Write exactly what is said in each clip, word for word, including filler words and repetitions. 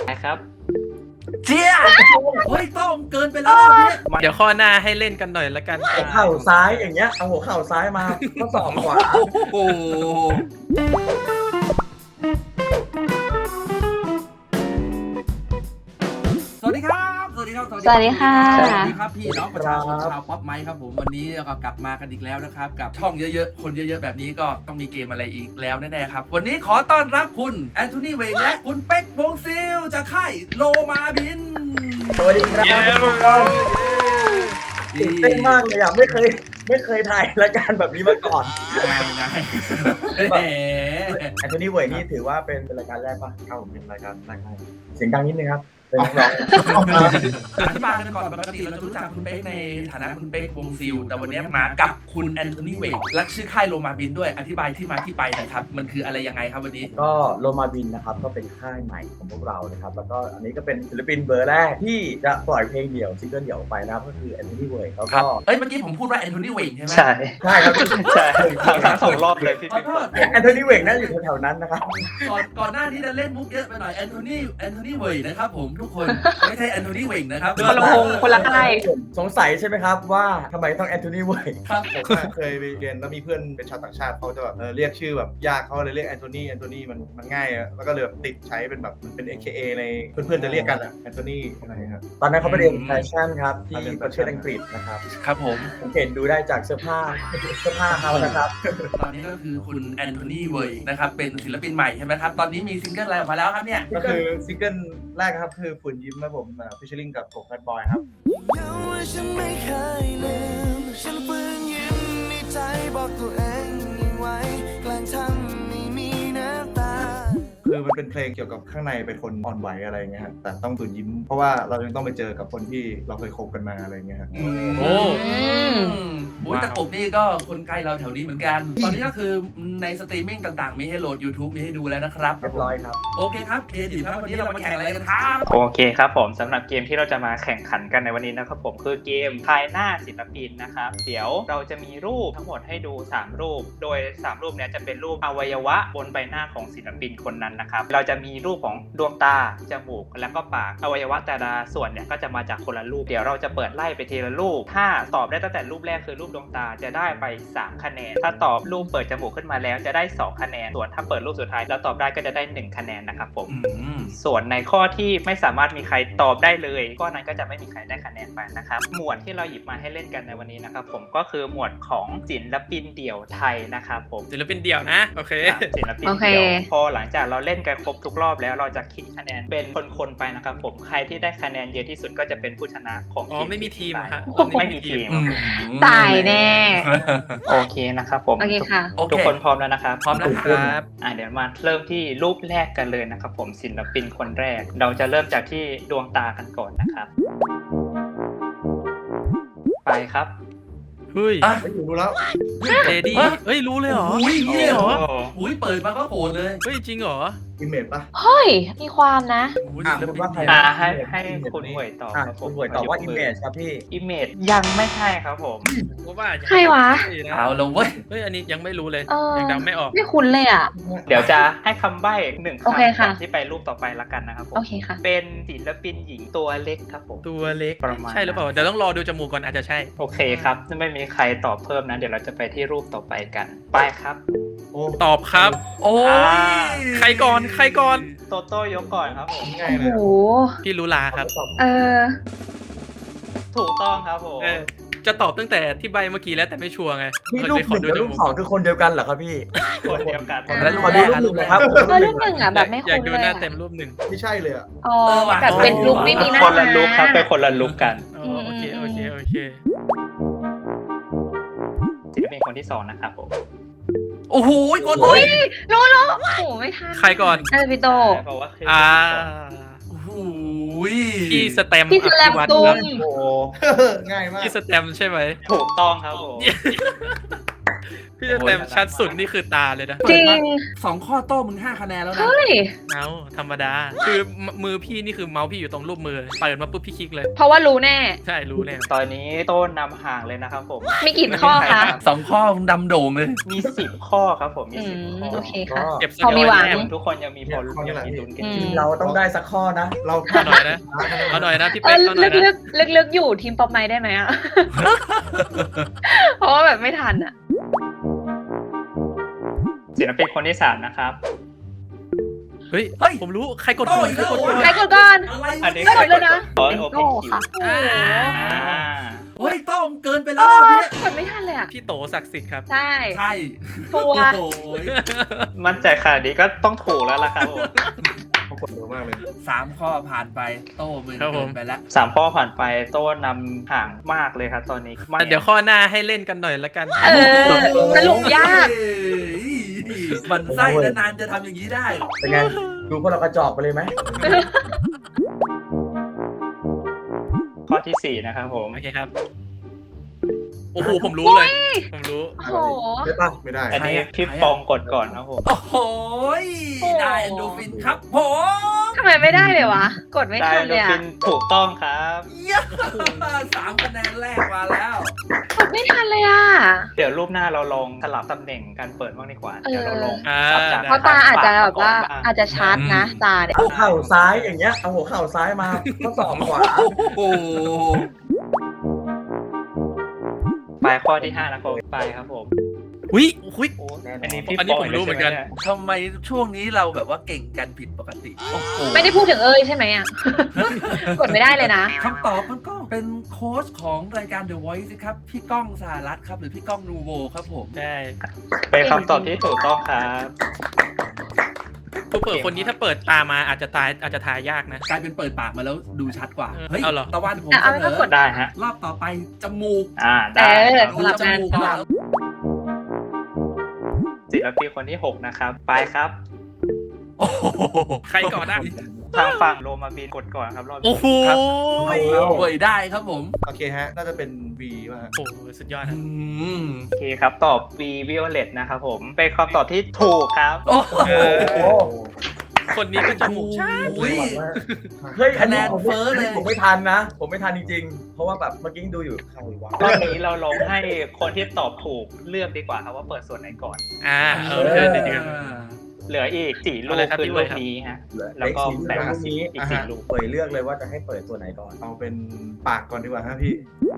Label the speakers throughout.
Speaker 1: ครับ
Speaker 2: เจี๊ยเฮ้ยต้องเกินไปแล้วเนี่ย
Speaker 3: เดี๋ยวข้อหน้าให้เล่นกันหน่อยละกัน
Speaker 4: หัวเข่าซ้ายอย่างเงี้ยเอาหัวเข่าซ้ายมาก็สองขวา
Speaker 2: โอ้โห สวัสดีครับ สวัสดีครับ
Speaker 5: สวัสดีค่ะ
Speaker 2: สวัสดีครับพี่น้องประชาชนชาวป๊อปไมค์ครับผมวันนี้เราก็กลับมากันอีกแล้วนะครับกับช่องเยอะๆคนเยอะๆแบบนี้ก็ต้องมีเกมอะไรอีกแล้วแน่ๆครับวันนี้ขอต้อนรับคุณแอนโทนีเวงและคุณเป๊กวงซิลจากค่ายโลมาบิน
Speaker 4: สวัสดีครับตื่นเต้นมากเลยอ่ะไม่เคยไม่เคยถ่ายรายการแบบนี้มาก่อน
Speaker 2: ง่ายง่ายแหม
Speaker 4: แอนโทนีเวยนี่ถือว่าเป็นรายการแรกป่ะครับผมเป็นรายการแรกให้เสียงดังนิดนึงครับเป็นนักร้อง
Speaker 2: อธิบายกันก่อนปกติเราจะรู้จักคุณเป๊กในฐานะคุณเป๊กวงซิลแต่วันนี้มากับคุณแอนโทนีเวงและชื่อค่ายโลมาบินด้วยอธิบายที่มาที่ไปหน่อยครับมันคืออะไรยังไงครับวันนี้
Speaker 4: ก็โลมาบินนะครับก็เป็นค่ายใหม่ของพวกเรานะครับแล้วก็อันนี้ก็เป็นศิลปินเบอร์แรกที่จะปล่อยเพลงเดี่ยวซิงเกิลเดี่ยวออกไปนะครับก็คือแอนโทนีเวยเขา
Speaker 2: ครั
Speaker 4: ก็
Speaker 2: บเอ้ยเมื่อกี้ผมพูดว่าแอนโทนีเวงใช่ไหม
Speaker 1: ใช่
Speaker 4: ใช่ครับ
Speaker 1: ใช่ทั้งสองรอบเลยพี่
Speaker 2: ขอโทษ
Speaker 4: แอนโทนีเวงน่าอยู่แถวๆนั้นนะครับ
Speaker 2: ก่อนก่อนหน้านี้จะเล่นมุกเยอะไปหน่อยแอนโทนีแอนโทนีเวงนะครับผมทุกคนไม่ใช่แอนโทนีเวงนะครับ
Speaker 5: คนละวงคนละค่าย
Speaker 4: สงสัยใช่ไหมครับว่าทำไมต้องแอนโทนีเวย
Speaker 2: ครับ
Speaker 6: ผมอะเคยไปเรียนแล้วมีเพื่อนเป็นชาวต่างชาติเขาจะแบบเออเรียกชื่อแบบยากเขาเลยเรียกแอนโทนีแอนโทนีมันมันง่ายอะแล้วก็เลยแบบติดใช้เป็นแบบมันเป็น เอ เค เอ ในเพื่อนๆจะเรียกกันอะแอนโทนีอะไรครับ
Speaker 4: ตอนนั้นเขาไปเรียนแฟชั่นครับที่ประเทศอังกฤษนะครับ
Speaker 2: ครับผม
Speaker 4: สังเกตดูได้จากเสื้อผ้าเสื้อผ้าเขานะครับ
Speaker 2: ตอนนี้ก็คือคุณแอนโทนีเวงนะครับเป็นศิลปินใหม่ใช่ไหมครับตอนนี้มีซิงเกิลอะไรออกมาแล้วครับเนี่ย
Speaker 6: ก็คือซิงเกิลแรกครับคือฝุ่นยิ้มครับผมฟิชเชอริงกับผมแบดบอยครับ
Speaker 7: ยังว่าฉันไม่เคยลืมฉันฝืนยิ้มในใจบอกตัวเองยังไว้แกล้งทำไม่มีน้ำตา
Speaker 6: คือมันเป็นเพลงเกี่ยวกับข้างในเป็นคนอ่อนไหวอะไรเงี้ยครับแต่ต้องฝืนยิ้ม เพราะว่าเรายังต้องไปเจอกับคนที่เราเคยคบกันมาอะไรเงี้ยครับ
Speaker 3: โอ้
Speaker 2: โอ้ยแต่ผมนี่ก็คนใกล้เราแถวนี้เหมือนกัน ตอนนี้ก็คือในสตรีมมิ่งต่างๆ มีให้โหลด YouTube มีให้ดูแล้วนะครับ
Speaker 4: เรียบร้อยครับ
Speaker 2: โอเคครับเคดีครับวันนี้เรามาแข่งอะไรกันครับ
Speaker 1: โอเคครับผมสำหรับเกมที่เราจะมาแข่งขันกันในวันนี้นะครับผมคือเกมทายหน้าศิลปินนะครับเดี๋ยวเราจะมีรูปทั้งหมดให้ดูสามรูป โดยสามรูปเนี้ยจะเป็นรูปอวัยวะบนใบหน้าของศิลปินคนนั้นนะครับเราจะมีรูปของดวงตาจมูกแล้วก็ปากอวัยวะแต่ละส่วนเนี่ยก็จะมาจากคนละรูปเดี๋ยวเราจะเปิดไล่ไปทีละรูปถ้าตอบได้ตั้งแต่รูปแรกคือรูปดวงตาจะได้ไปสามคะแนนถ้าตอบรูปเปิดจมูกขึ้นมาแล้วจะได้สองคะแนนส่วนถ้าเปิดรูปสุดท้ายแล้วตอบได้ก็จะได้หนึ่งคะแนนนะครับผม
Speaker 2: อืม
Speaker 1: ส่วนในข้อที่ไม่สามารถมีใครตอบได้เลยข้อนั้นก็จะไม่มีใครได้คะแนนไปนะครับหมวดที่เราหยิบมาให้เล่นกันในวันนี้นะครับผมก็คือหมวดของศิลปินเดี่ยวไทยนะครับผม
Speaker 3: ศิลปินเดี่ยวนะ โอเค
Speaker 1: ครับศิลปิน
Speaker 5: โอเค
Speaker 1: เดี่ยวพอหลังจากเราเล่นกันครบทุกรอบแล้วเราจะคิดคะแนนเป็นคนๆไปนะครับผมใครที่ได้คะแนนเยอะที่สุดก็จะเป็นผู้ชนะของ
Speaker 3: อ๋อไม่มีทีม
Speaker 1: ไป
Speaker 3: ฮะ
Speaker 1: ไม่มีทีม
Speaker 2: อืม
Speaker 5: ตายแน่
Speaker 1: โอเคนะครับผม
Speaker 5: โอเคค่ะ
Speaker 2: โอเค
Speaker 1: ทุกคนพร้อมแล้วนะครับ
Speaker 2: พร้อมแล้วครับ
Speaker 1: อ่ะเดี๋ยวมาเริ่มที่รูปแรกกันเลยนะครับผมศิลปินคนแรก เราจะเริ่มจากที่ดวงตากันก่อนนะครับ ไปครับ
Speaker 3: เฮ้ย
Speaker 2: อ่ะ
Speaker 6: ไม่อยู่รู้แล้ว
Speaker 3: เจดี้เฮ้ย รู้เลยเหรอ
Speaker 2: อุ้ยนี่เลยเหรอ
Speaker 1: โอ้
Speaker 2: อุ้ยเปิดมาก็โหดเลย
Speaker 3: เฮ้ย จริงเหรอ
Speaker 6: อิมเมจปะ
Speaker 5: เฮ้ย มีความนะ
Speaker 2: อุ้ย
Speaker 4: อ่ะ
Speaker 2: ศิล
Speaker 4: คุณ
Speaker 2: ปิน
Speaker 4: ว่าใคร
Speaker 1: อ่าให้ให้คุณหวยตอบ
Speaker 4: อ่ะ
Speaker 1: ครับผ
Speaker 4: คุ
Speaker 1: ม
Speaker 4: ณหวยตอบว่า image ครับพี่
Speaker 1: อิมเมจยังไม่ใช่ครับผม
Speaker 3: กูว่ายัง
Speaker 5: ใครวะ
Speaker 3: ใช่น
Speaker 2: เอาแล้วเว้ย
Speaker 3: เฮ้ย อันนี้ยังไม่รู้เลย
Speaker 5: เออ
Speaker 3: ยังเดาไม่ออก
Speaker 5: ไม่คุ้นเลยอ่ะ
Speaker 1: เดี๋ยวจะให้คำใบ้หนึ่ง
Speaker 5: โอเค
Speaker 1: คำ
Speaker 5: ค่ะ
Speaker 1: ก่อนที่ไปรูปต่อไปละกันนะครับผม
Speaker 5: โอเคค่ะ
Speaker 1: เป็นศิลปินหญิงตัวเล็กครับผม
Speaker 3: ตัวเล็ก
Speaker 1: ประมาณ
Speaker 3: ใช่หรือเปล่า เดี๋ยวต้องรอดูจมูกก่อนอาจจะใช่
Speaker 1: โอเคครับไม่มีใครตอบเพิ่มนะ เดี๋ยวเราจะไปที่รูปต่อไปกัน ไปครับ
Speaker 6: โอ้
Speaker 3: ตอบครับ
Speaker 2: โอ้ย
Speaker 1: อ่า
Speaker 3: ใครก่อน ใครก่อน
Speaker 1: โตโต้ยกก่อนครับผม
Speaker 6: ง่าย
Speaker 5: โอ้
Speaker 6: เลย
Speaker 5: โห
Speaker 3: พี่รู้ลาครับ
Speaker 5: เออ
Speaker 1: ถูกต้องครับผม
Speaker 3: เออ จะตอบตั้งแต่ที่ใบเมื่อกี้แล้วแต่ไม่ชัวร์ไง
Speaker 4: นี่รูปหนึ่งกับรูปสองคือคนเดียวกันเหรอครับพี่
Speaker 1: คนเดียวกัน
Speaker 5: อ่า
Speaker 4: แล้วขอดูรูปหนึ่งนะครับ
Speaker 5: เออรูปหนึ่งอ่ะแบบไม่
Speaker 3: อยาก
Speaker 5: คุ้น
Speaker 3: ดู
Speaker 5: เลย
Speaker 3: หน้า
Speaker 5: อะ
Speaker 3: เต็มรูปหนึ่ง
Speaker 6: ไม่ใช่เลยอะ
Speaker 5: อ๋อแบบเป็นลุคไม่มีหน้า
Speaker 1: คนละลุกครับเป็นคนละลุกกัน
Speaker 3: อ๋อโอเค โอเค โอเค
Speaker 1: ศิลปินคนที่สองนะครับผม
Speaker 2: โอ้โหกด
Speaker 5: อุ้ยรู้รู้โอ้โหไม่ทัน
Speaker 3: ใครก่อน
Speaker 5: เออพี่โต
Speaker 1: เพราะว่าคือ
Speaker 3: อ่า
Speaker 2: โอ้โห
Speaker 3: พี่สแตมป์
Speaker 5: พี่สแลม
Speaker 3: อภิวัตร
Speaker 5: ตุ้
Speaker 3: ครับ
Speaker 5: ม
Speaker 6: โอ้ง่ายมาก
Speaker 3: พี่สแตมป์ใช่ไหม
Speaker 1: ถูกต้องครับผม
Speaker 3: พี่สเต็มชัดสุดนี่คือตาเลยนะ
Speaker 5: จริง
Speaker 2: สองข้อโต้มึงห้าคะแนนแล้วนะ
Speaker 5: เฮ้ย
Speaker 3: เอาธรรมดา คือมือพี่นี่คือเมาส์พี่อยู่ตรงรูปมือเปิดมาปุ๊บพี่คลิกเลย
Speaker 5: เพราะว่ารู้แน่
Speaker 3: ใช่รู้แน่
Speaker 1: ตอนนี้โต้นนำห่างเลยนะครับผม
Speaker 5: มีกี่ข้อคะ
Speaker 2: สองข้อมึงดำโด่งเลย
Speaker 1: มีสิบข้อครับผมมี
Speaker 5: อื
Speaker 1: สิบ
Speaker 5: ม
Speaker 1: ข้อ
Speaker 5: โอเคค่ะ
Speaker 3: เก็บส
Speaker 5: พอมีหวัง
Speaker 3: แต้
Speaker 1: ทุกคนยังมีพอลุ้นยังมีลุ้นกันอยู่
Speaker 5: อืม
Speaker 4: เราต้องได้สักข้อนะ
Speaker 6: เรา
Speaker 3: เอาหน่อยนะเอาหน่อยนะพี่
Speaker 5: เอ
Speaker 3: เป๊
Speaker 5: อก
Speaker 3: เอาหน่
Speaker 5: ลึ
Speaker 3: อย
Speaker 5: กลึ
Speaker 3: นะ
Speaker 5: กลึกลึกๆอยู่ทีมป๊อปไม้ได้ไหมอะ เพราะว่าแบบไม่ทันอะ
Speaker 1: ศิลปินคนที่สามนะครับ
Speaker 3: เฮ้ย
Speaker 2: เฮ้ย
Speaker 3: ผมรู้ใครกด
Speaker 2: โอ้
Speaker 3: ก่อน
Speaker 2: ย
Speaker 3: ใครกดก่อน
Speaker 5: ใครกดก่อน
Speaker 2: อะไร
Speaker 1: อันนี้
Speaker 5: กดเลยนะ
Speaker 1: โอ้ย
Speaker 5: เป็น
Speaker 1: โอเพ
Speaker 5: โก้
Speaker 1: นคิว
Speaker 5: ค่ะ
Speaker 3: อ่า
Speaker 1: อ่า
Speaker 2: เฮ้ยต้องเกินไป
Speaker 5: เอ
Speaker 2: แล้ว
Speaker 5: อ
Speaker 2: เนี่ย
Speaker 5: กดไม่ทันเลยอะ
Speaker 3: พี่โตศักดิ์สิทธิ์ครับ
Speaker 5: ใช่
Speaker 2: ใช่
Speaker 5: ชัวร์
Speaker 2: โอ้ย
Speaker 1: มั่นใจขนาดนี้ก็ต้องถูกแล้วล่ะครับผม
Speaker 6: เขากดเร็วมากเลย
Speaker 2: สามข้อผ่านไปโต้มึง
Speaker 3: ครับผม
Speaker 2: เกินไปแล้ว
Speaker 1: สามข้อผ่านไปโต้นำห่างมากเลยครับตอนนี้ไม่
Speaker 3: เดี๋ยวข้อหน้าให้เล่นกันหน่อยละกัน
Speaker 5: เออสรุปยาก
Speaker 2: เฮ้ยมันไส้แล้วนานจะทำอย่างนี้ได้
Speaker 4: เป็นไง ดูพวกเรากระจอกไปเลยไหม
Speaker 1: ข้อที่สี่นะครับผม
Speaker 3: โอเคครับ โอ้โหผมรู้เลย ผมรู้
Speaker 5: โอ้โห
Speaker 6: ได้ปะไม่ได้
Speaker 1: อันนี้
Speaker 2: ใครอะ
Speaker 1: พี่
Speaker 2: ใครอะ
Speaker 1: ปองกดก่อนครับผม
Speaker 2: โอ้โหยได้เอนโดรฟินครับผม
Speaker 5: ทำไมไม่ได้เลยวะ กดไม่
Speaker 1: ได้
Speaker 5: ทัน
Speaker 1: โด
Speaker 5: เลย
Speaker 1: ฟิ
Speaker 5: อะ
Speaker 1: นถูกต้องครับ
Speaker 2: เยี่ยมสามคะแนนแรกมาแล้ว
Speaker 5: กดไม่ทันเลยอะ
Speaker 1: เดี๋ยวรูปหน้าเราลองสลับตำแหน่งการเปิดบ้างดีกว่า
Speaker 5: เออ
Speaker 1: เดี๋ยวเราลอง
Speaker 3: อ่า
Speaker 1: สับจาก
Speaker 5: เพราะตาอาจจะแบบว่า
Speaker 1: ปก
Speaker 5: อาจจะชาร์จนะตาเนี่ย
Speaker 4: หัวเข่าซ้ายอย่างเงี้ย เอาหัวเข่าซ้ายมาข้อศอกขวา
Speaker 2: โอ้โห
Speaker 1: ไปข้อที่ห้านะครับไปครับผม
Speaker 3: อุ้ยอุ้ย
Speaker 1: โอ้
Speaker 4: แน่นอน
Speaker 1: อันนี้พี่
Speaker 3: อันนี้
Speaker 1: ปง
Speaker 3: ผมรู้เหมือนกัน
Speaker 1: ลยใช่ไย
Speaker 2: ทำไมช่วงนี้เราแบบว่าเก่งกันผิดปกติโอ้โห
Speaker 5: ไม่ได้พูดถึงเอ้ยใช่ไหมอะ กดไม่ได้เลยนะ
Speaker 2: คำตอบมันก็เป็นโค้ชของรายการ The Voice ครับ พี่ก้องสหรัฐครับ หรือพี่ก้องนูโวครับผม
Speaker 3: ใช่
Speaker 1: เป็นคำตอบที่ถูกต้องครับ
Speaker 3: ผู้เปิดคนนี้ถ้าเปิดตามาอาจจะตายอาจจะทายยากนะ
Speaker 2: กลายเป็นเปิดปากมาแล้วดูชัดกว่า เฮ้ย
Speaker 3: เอาเหรอ
Speaker 2: ตะวันผม
Speaker 5: อ่ะ
Speaker 2: เส
Speaker 5: เอา
Speaker 2: น
Speaker 5: ไม่ต้องก
Speaker 2: อ
Speaker 5: ด
Speaker 1: ได้ฮะ
Speaker 2: รอบต่อไป จมูก
Speaker 1: อ่า
Speaker 5: เอ
Speaker 1: ได้
Speaker 5: อ
Speaker 1: ครับ
Speaker 2: ดู
Speaker 5: สลับ
Speaker 2: จ
Speaker 5: งาน
Speaker 2: มูก
Speaker 5: ก่อ
Speaker 2: มาน
Speaker 1: ศิลปินคนที่หกนะครับไปครับ
Speaker 2: โอ้โห
Speaker 3: ใครก่อนนะ
Speaker 1: ทางฝั่งโรมาบินกดก่อนครับรอบนี้
Speaker 3: โอ้โห
Speaker 2: ครับ เวยได้ครับผม
Speaker 6: โอเคฮะ น่าจะเป็น V ป่ะฮะ
Speaker 3: โอ้โหสุดยอด
Speaker 2: อื
Speaker 3: นะ
Speaker 2: ม
Speaker 1: โอเคครับตอบ V Violet นะครับผมเป็นคำตอบที่ถูกครับ
Speaker 2: โอ้โห
Speaker 1: เออ
Speaker 4: โอ้
Speaker 3: คนนี้ก็จมูกชา
Speaker 2: อุ้ย
Speaker 4: เฮ้ย
Speaker 2: คะแนนเฟ้อเลย
Speaker 4: ผมไม่ทันนะ ผมไม่ทันจริงๆ เพราะว่าแบบเมื่อกี้ดูอยู่ใครวะ
Speaker 1: รอบนี้เราลองให้คนที่ตอบถูกเลือกดีกว่าครับว่าเปิดส่วนไหนก่อน
Speaker 3: อ่าเออเชิญเดี๋ยวเดี๋ยว
Speaker 1: เหลืออีกสี่ลู
Speaker 3: เอา
Speaker 1: ก
Speaker 3: เลยครับ
Speaker 1: คือ
Speaker 3: พี่
Speaker 1: ลู
Speaker 3: เว้
Speaker 1: ก
Speaker 3: ยครับ
Speaker 1: นี้ฮะ
Speaker 4: เหลือ
Speaker 1: แล้วก็
Speaker 4: เล็กสี
Speaker 1: แบ่ง
Speaker 4: ลูกนี้
Speaker 1: อีกสี่ลูก
Speaker 4: เปิดเลือกเลยว่าจะให้เปิดตัวไหนก่อน
Speaker 6: เอาเป็นปากก่อนดีกว่าฮะพี่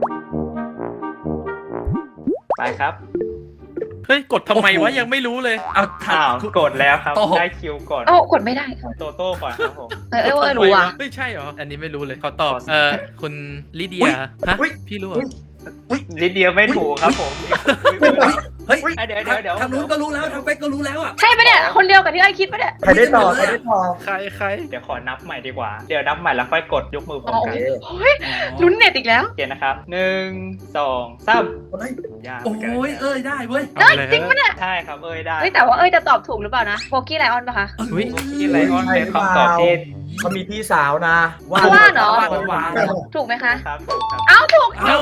Speaker 1: ไปครับ
Speaker 3: เฮ้ยกดทำไมวะยังไม่รู้เลย
Speaker 2: เอาทัน
Speaker 1: อ้าวกดแล้วครับ
Speaker 2: โต้
Speaker 1: ได้คิวก่อน
Speaker 5: โอ้ากดไม่ได้
Speaker 1: โตโต้ก่อนครับผม
Speaker 5: เออเออเออรู้อ่ะ
Speaker 3: เฮ้ยใช่เหรอ อันนี้ไม่รู้เลยเขาตอบ เออคุณลิเดีย
Speaker 2: อุ๊ย
Speaker 3: ฮะ
Speaker 2: อุ๊ย
Speaker 3: พี่รู้เหรอ
Speaker 1: นิดเดียวไม่ถูกครับผม
Speaker 2: เฮ้ย
Speaker 1: เดี๋ยวเดี๋ยวเดี๋ยว
Speaker 2: ทางนู้นก็รู้แล้วทางเป๊กก็รู้แล้วอ่ะ
Speaker 5: ใช่ปะเนี่ย คนเดียวกับที่ไอ้คิดปะเนี่ย
Speaker 4: ใครได้ต่อใครได้ต่อ
Speaker 3: ใครใคร
Speaker 1: เดี๋ยวขอนับใหม่ดีกว่า เดี๋ยวนับใหม่แล้วค่อยกดยกมือพร้อม
Speaker 5: อ๋อ
Speaker 1: กัน
Speaker 5: โอ้ยลุ้นเน็ตอีกแล้ว
Speaker 1: โอเคนะครับหนึ่งสองสาม
Speaker 4: เฮ้ย
Speaker 1: ยาก
Speaker 2: โอ้ยเอ้ยได้เว้ย
Speaker 5: เอ้ยจริงปะเนี่ย
Speaker 1: ใช่ครับเอ้ยได้
Speaker 5: เฮ้ยแต่ว่าเอ้ยจะตอบถูกหรือเปล่านะโบกี้ไลออนปะคะ
Speaker 3: อุ๊ย
Speaker 1: ที่ไลออนเป็นคำตอบที่
Speaker 4: เขามีพี่สาวนะ
Speaker 5: ว่าเหรอ
Speaker 2: หวานหวาน
Speaker 5: ถูกไหมคะ
Speaker 1: ครับถูกครับ
Speaker 5: เอ้าถูก
Speaker 2: เอ้า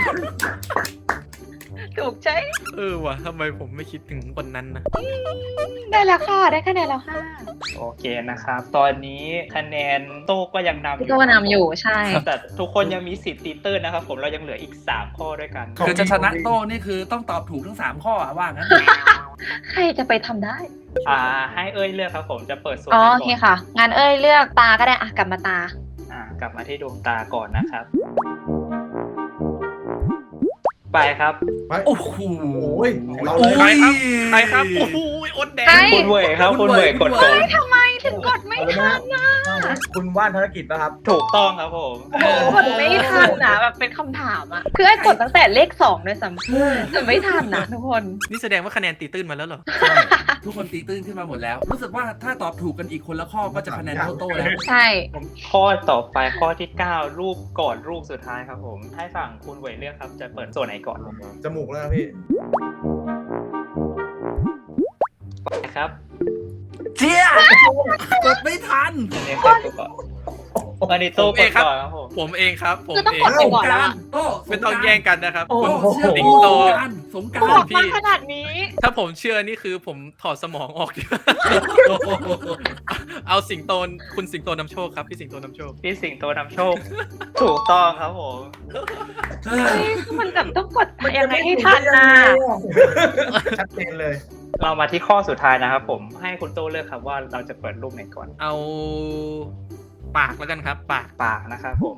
Speaker 5: ถูกใช่
Speaker 3: เออว่ะทำไมผมไม่คิดถึงคนนั้นนะ
Speaker 5: ได้แล้วค่ะ ได้คะแนนแล้วค่ะ
Speaker 1: โอเคนะครับ ตอนนี้คะแนนโต้ก็ยังนำอ
Speaker 5: พี่
Speaker 1: ยู่
Speaker 5: ก็นำอยู่ใช่
Speaker 1: แต่ทุกคนยังมีสิทธิ์ตีตื้นนะครับผมเรายังเหลืออีกสามข้อด้วยกัน
Speaker 2: คือจะชนะโต้นี่คือต้องตอบถูกทั้งสามข้ออะว่างั้น
Speaker 5: ใครจะไปทำได้
Speaker 1: อ่าให้เอ้ยเลือกครับผมจะเปิดส่วน
Speaker 5: อ๋อ
Speaker 1: ไหน
Speaker 5: โอเค
Speaker 1: ก่อน
Speaker 5: ค่ะ งานเอ้ยเลือกตาก็ได้อะกลับมาตา
Speaker 1: อ่ากลับมาที่ดวงตาก่อนนะครับ ไปครับ
Speaker 2: โอ้โห
Speaker 6: โอ้ยเรา
Speaker 2: โอ้
Speaker 6: เลย
Speaker 2: ย
Speaker 3: ใครครับ โอ้โหอดแด
Speaker 5: ใคร
Speaker 3: ง
Speaker 1: คุณเวยครับคุณเวยกดก่อน
Speaker 5: ทำไมถึงกดไม่ทันนะ
Speaker 4: คุณว่านธนกิจป่ะครับ
Speaker 1: ถูกต้องครับผม
Speaker 5: โอ้โหกดไม่ทันนะแบบเป็นคำถามอะคือไอ้กดตั้งแต่เลขสองด้วยซ้ำแต่ไม่ทันนะทุกคน
Speaker 3: นี่แสดงว่าคะแนนตีตื้นมาแล้วเหรอ
Speaker 2: ทุกคนตีตื้นขึ้นมาหมดแล้ว รู้สึกว่าถ้าตอบถูกกันอีกคนละข้อก็จะคะแนนเท่าโต้แล้ว
Speaker 5: ใช่
Speaker 1: ข้อต่อไปข้อที่เก้ารูปก่อนรูปสุดท้ายครับผม ให้ฝั่งคุณเวยเลือกครับ จะเปิดส่วนไหนก่อน
Speaker 6: จมูกแล้วนะพี่
Speaker 1: ไปครับ
Speaker 2: เจี๊ยกดไม่ทัน
Speaker 1: อันนี้กดก่อนอันนี้โต้กดก่อนครับผม
Speaker 3: ผมเองครับ ผม
Speaker 5: คือต้อง
Speaker 3: เอง
Speaker 5: กดไปก่อนแล้วอะ
Speaker 2: โต้
Speaker 3: ไม่ต้องแย่งกันนะครับ
Speaker 2: โอ้
Speaker 3: คุณ
Speaker 2: เชื่อ
Speaker 3: สิ
Speaker 2: สิ
Speaker 3: ง
Speaker 2: ง
Speaker 3: โต
Speaker 2: โตสสงกรา
Speaker 5: บอก
Speaker 2: ร
Speaker 5: มาขนาดนี้
Speaker 3: ถ้าผมเชื่อนี่คือผมถอดสมองออก เอาสิงโตนคุณสิงโตนำโชคครับพี่สิงโตนำโชค
Speaker 1: พี่สิงโตนำโชค ถูกต้องครับผม
Speaker 5: เฮ้ยมันแบบต้องกดยังไงให้ทันนะ
Speaker 6: ชัดเจนเลย
Speaker 1: เรามาที่ข้อสุดท้ายนะครับผมให้คุณโตเลือกครับว่าเราจะเปิดรูปไหนก่อน
Speaker 3: เอาปากแล้วกันครับ ปาก
Speaker 1: ปากนะครับผม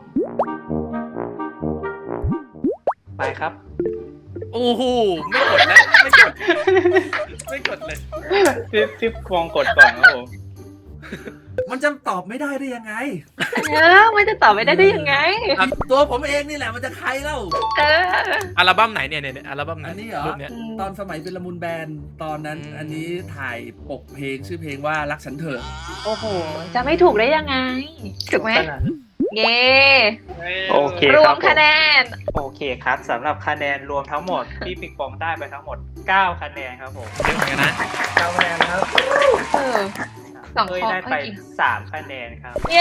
Speaker 1: ไปครับ
Speaker 3: โอ้โหไม่กดแล้วไม่กดไม่กดเลย
Speaker 1: พี่พี่ฟองกดก่อนครับผม
Speaker 2: มันจะตอบไม่ได้ได้ยังไง
Speaker 5: เออมันจะตอบไม่ได้ได้ยังไง
Speaker 2: ตัวผมเองนี่แหละมันจะใครเล่า
Speaker 5: เออ
Speaker 3: อัลบั้มไหนเนี่ยเนี่ยอัลบั้มไหน
Speaker 2: อันนี้เหรอ
Speaker 3: รูปเนี้ย
Speaker 2: ตอนสมัยเป็นละมุนแบนด์ตอนนั้น
Speaker 3: อืม
Speaker 2: อันนี้ถ่ายปกเพลงชื่อเพลงว่ารักฉันเถอะ
Speaker 5: โอ้โห จะไม่ถูกได้ยังไง ถูกไหม เย้
Speaker 1: โอเค
Speaker 5: ร
Speaker 1: คว รับ
Speaker 5: ม
Speaker 1: ผม
Speaker 5: คะแนน
Speaker 1: โอเคครับสำหรับคะแนนรวมทั้งหมด พี่ปิงปองได้ไปทั้งหมด เก้า คะแนนครับผม
Speaker 3: เยอะเหมือนกันนะ
Speaker 6: เก้าคะแนนครับ
Speaker 5: เออ สอง
Speaker 1: เอ้ย
Speaker 5: ข้อ
Speaker 1: ได้ไป
Speaker 5: เอ้ยกี่
Speaker 1: สาม คะแนนครับ
Speaker 5: เย้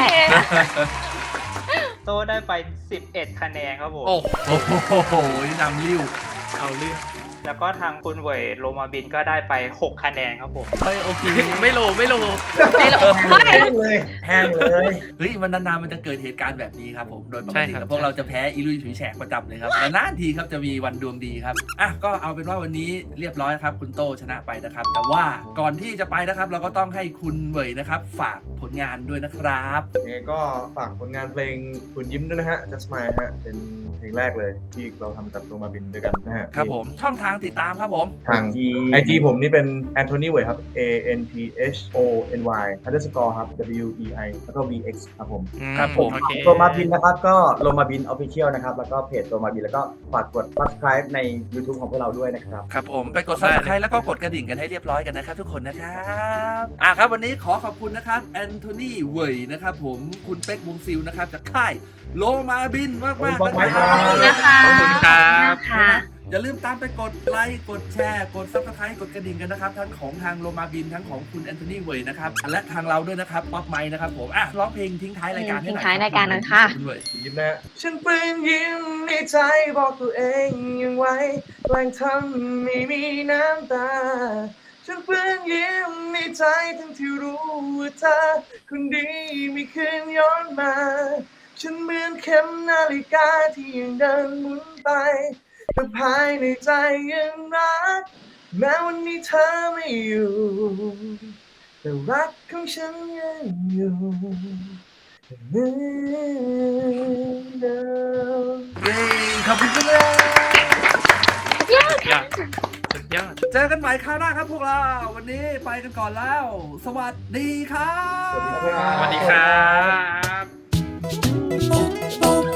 Speaker 1: โตได้ไป สิบเอ็ด คะแนนครับผม
Speaker 3: โอ้
Speaker 2: โอ้โหนำริ้ว
Speaker 3: เอาเรื่อง
Speaker 1: แล้วก็ทางคุณเวยโรมาบินก็ได้ไป หก คะแนนครับผม
Speaker 2: เฮ้ยโอเค
Speaker 3: ไม่โลไม่โล
Speaker 5: ไม่หรอกไม่
Speaker 6: แห้งเลยแห้งเลย
Speaker 2: เฮ้ยมันนานๆมันจะเกิดเหตุการณ์แบบนี้ครับผมโดยปก
Speaker 3: ใช่
Speaker 2: ติ
Speaker 3: ครับ
Speaker 2: แล้วพวกเราจะแพ้อีลุยฉุยแฉกประจำเลยครับแต่นานทีครับจะมีวันดวงดีครับอ่ะก็เอาเป็นว่าวันนี้เรียบร้อยครับคุณโตชนะไปนะครับ แต่ว่าก่อนที่จะไปนะครับ เราก็ต้องให้คุณเหวยนะครับ ฝากผลงานด้วยนะครับ
Speaker 6: ยังไงก็ฝากผลงานเพลงคุณยิ้มด้วยนะฮะ Just Smile ฮะ เป็นเพลงแรกเลยที่เราทำกับตัวมาบินด้วยกันนะฮะ
Speaker 2: ครับผมช่องทางติดตามครับผม
Speaker 6: ทาง ไอ จี ผมนี่เป็น Anthony Wei ครับ A N T H O N Y underscore ครับ W E I แล้วก็ V X ครับผม
Speaker 2: ครับผม
Speaker 3: โอเค
Speaker 4: โรมาบินนะครับก็โรมาบินออฟฟิเชียลนะครับแล้วก็เพจโรมาบินแล้วก็ฝากกด subscribe ใน YouTube ของพวกเราด้วยนะครับ
Speaker 2: ครับผมไปกด subscribe แล้วก็กดกระดิ่งกันให้เรียบร้อยกันนะครับทุกคนนะครับอ่ะครับวันนี้ขอขอบคุณนะครับแอนโทนีเวยนะครับผมคุณเป๊กวงซิลนะครับจากค่ายโลมาบินมากมาก
Speaker 6: ขอบคุณ
Speaker 2: นะ
Speaker 6: ค
Speaker 2: ค
Speaker 6: รั
Speaker 2: รับ บ
Speaker 5: นะคะ
Speaker 3: ขอบคุณครับ
Speaker 5: ค่ะ
Speaker 2: อย่าลืมตามไปกดไลค์กดแชร์กด subscribe กดกระดิ่งกันนะครับทั้งของทางโลมาบินทั้งของคุณแอนโทนีเวยนะครับและทางเราด้วยนะครับป๊อปไมค์นะครับผมอ่ะร้องเพลงทิ้งท้ายรายการให้หน่อย
Speaker 5: ทิ้งท้ายรายการหน่อยค่ะ
Speaker 2: ณเวย
Speaker 6: คุณยิ้มนะฮะฉันเปื้อนยิ้มในใจบอกตัวเองยังไว้แกล้งทำไม่มีน้ำตา ฉันเปื้อนยิ้มในใจทั้งที่รู้ว่าเธอคนดีไม่คืนย้อนมา ฉันเหมือนเข็มนาฬิกาที่ยังเดินหมุนไปแต่ภายในใจยังรักแม้วันนี้เธอไม่อยู่แต่รักของฉันยังอยู่เหมือนเดิม
Speaker 2: เย้ขอบคุณครับ
Speaker 3: ยอดสุดยอด
Speaker 2: เจอกันใหม่คราวหน้าครับพวกเราวันนี้ไปกันก่อนแล้ว สวัสดีครับ
Speaker 3: สวัสดีครับ
Speaker 7: Boop, boop,